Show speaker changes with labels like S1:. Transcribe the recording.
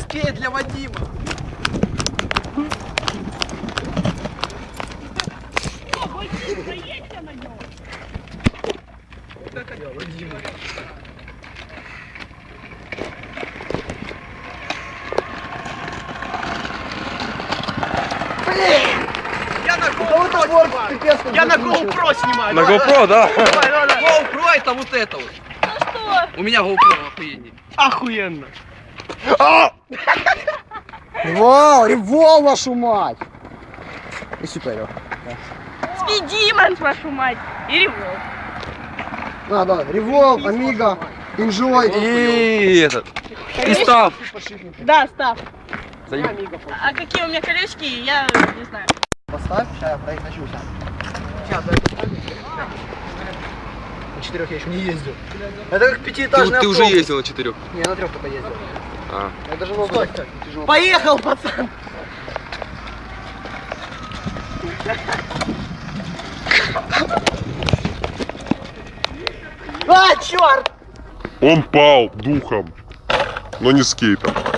S1: скейт для Вадима.
S2: Проедьте на нем.
S1: Вот это для Вадима. Я на GoPro снимаю. Я на GoPro снимаю.
S3: На GoPro, да?
S1: Давай. GoPro это вот это вот.
S2: Ну что?
S1: У меня GoPro охуенней. Охуенно.
S4: Револ, револ, вашу мать! И супер.
S2: Спидиман, вашу мать. И револ.
S4: Да, револ, амиго, инжой.
S3: И этот. И став.
S2: Да, став.
S3: Заеб-
S2: А какие у меня колечки, я не знаю.
S4: Поставь, сейчас я произношусь.
S1: Сейчас, дай поставлю. На 4 я еще не ездил. Это как пятиэтажный
S3: Ты уже
S1: автобус.
S3: ездил на 4.
S4: Не, на 3 только ездил.
S3: А.
S4: Я даже ногу
S1: Стой.
S4: так тяжело.
S1: Поехал, пацан. А, черт!
S5: Он пал духом, но не скейтом.